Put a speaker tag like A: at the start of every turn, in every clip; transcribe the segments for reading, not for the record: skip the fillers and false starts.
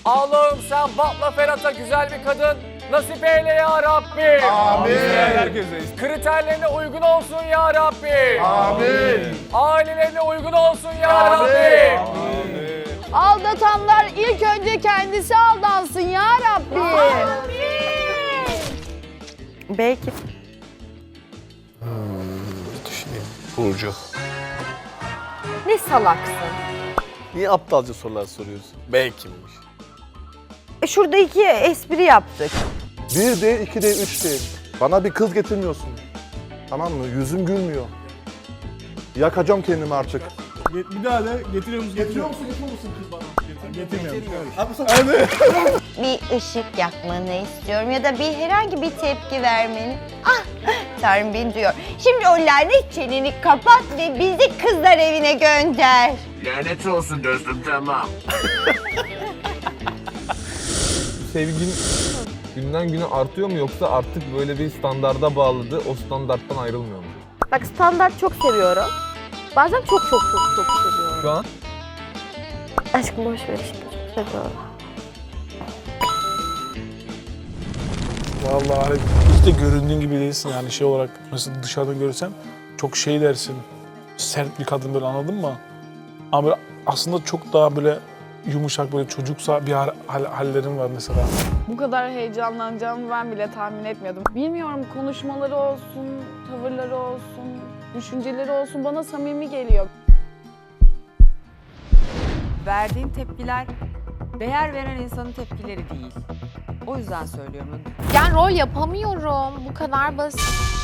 A: Allah'ım sen Batla Ferhat'a güzel bir kadın nasip eyle ya Rabbi.
B: Amin.
C: Herkeseyiz.
A: Kriterlerine uygun olsun ya Rabbi.
B: Amin.
A: Ailelerine uygun olsun ya Rabbi.
D: Aldatanlar ilk önce kendisi aldansın ya Rabbi.
E: Belki.
C: Düşüneyim. Burcu.
E: Ne salaksın.
C: Niye aptalca sorular soruyorsun? Belki'ymiş.
E: Şurada 2 espri yaptık.
B: 1 değil, 2 değil, 3 değil. Bana bir kız getirmiyorsun. Tamam mı? Yüzüm gülmüyor. Yakacağım kendimi artık.
F: Bir daha de getiriyor musun? Getiriyor musun kız bana? Getirmiyorum.
G: Bir ışık yakmanı istiyorum ya da herhangi bir tepki vermeni. Ah, Tanrım beni duyuyor. Şimdi o lanet çeneni kapat ve bizi kızlar evine gönder.
A: Lanet olsun dostum, tamam.
H: Sevgin günden güne artıyor mu yoksa artık böyle bir standarda bağladı, o standarttan ayrılmıyor mu?
E: Bak standart çok seviyorum. Bazen çok seviyorum.
H: Şu an?
E: Aşkım boş ver işte. Çok seviyorum.
F: Vallahi hiç de göründüğün gibi değilsin yani şey olarak. Mesela dışarıdan görürsen çok şey dersin. Sert bir kadın böyle, anladın mı? Ama böyle aslında çok daha böyle yumuşak, böyle çocuksa bir hallerin var mesela.
D: Bu kadar heyecanlanacağımı ben bile tahmin etmiyordum. Bilmiyorum, konuşmaları olsun, tavırları olsun, düşünceleri olsun bana samimi geliyor.
I: Verdiğin tepkiler değer veren insanın tepkileri değil. O yüzden söylüyorum.
J: Yani rol yapamıyorum. Bu kadar basit.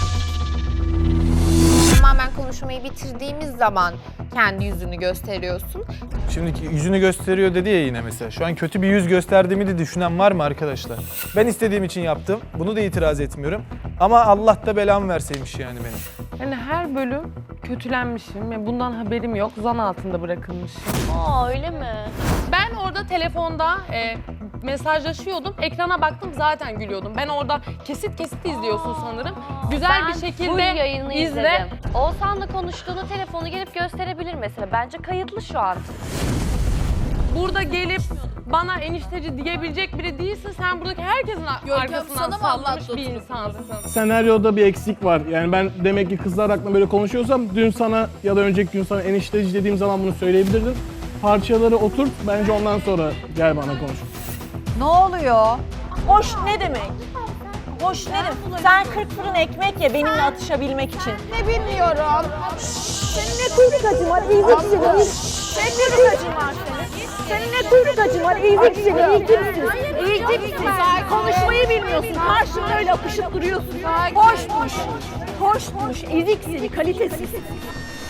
J: Tamamen konuşmayı bitirdiğimiz zaman kendi yüzünü gösteriyorsun.
K: Şimdiki yüzünü gösteriyor dedi ya yine mesela. Şu an kötü bir yüz gösterdiğimi de düşünen var mı arkadaşlar? Ben istediğim için yaptım. Bunu da itiraz etmiyorum. Ama Allah da belamı verseymiş yani benim.
L: Yani her bölüm kötülenmişim ve bundan haberim yok. Zan altında bırakılmışım.
J: Aa öyle mi?
L: Ben orada telefonda mesajlaşıyordum. Ekrana baktım zaten gülüyordum. Ben orada kesit izliyorsun sanırım. Güzel bir şekilde
J: yayını
L: izle.
J: izledim. Oğuzhan'la konuştuğunu telefonu gelip gösterebilir mesela. Bence kayıtlı şu an.
L: Burada gelip bana enişteci diyebilecek biri değilsin. Sen buradaki herkesin arkasından sallamış bir insansın.
F: Senaryoda bir eksik var. Yani ben demek ki kızlar hakkında böyle konuşuyorsam dün sana ya da önceki gün sana enişteci dediğim zaman bunu söyleyebilirdim. Parçaları oturt, bence ondan sonra gel bana konuş.
E: Ne oluyor? Hoş ne demek? Hoş ne demek? Sen 40 fırın ekmek ye benimle atışabilmek için.
D: Ne bilmiyorum.
E: Senin ne kuyruk acın var, iyilik seni. Senin ne kuyruk acın var senin? Senin ne kuyruk acın var, iyilik seni, iyi kimsin? İyi kimsin? Konuşmayı bilmiyorsun, karşımda öyle apışıp duruyorsun. Hoşmuş, hoşmuş, ezik seni, kalitesiz.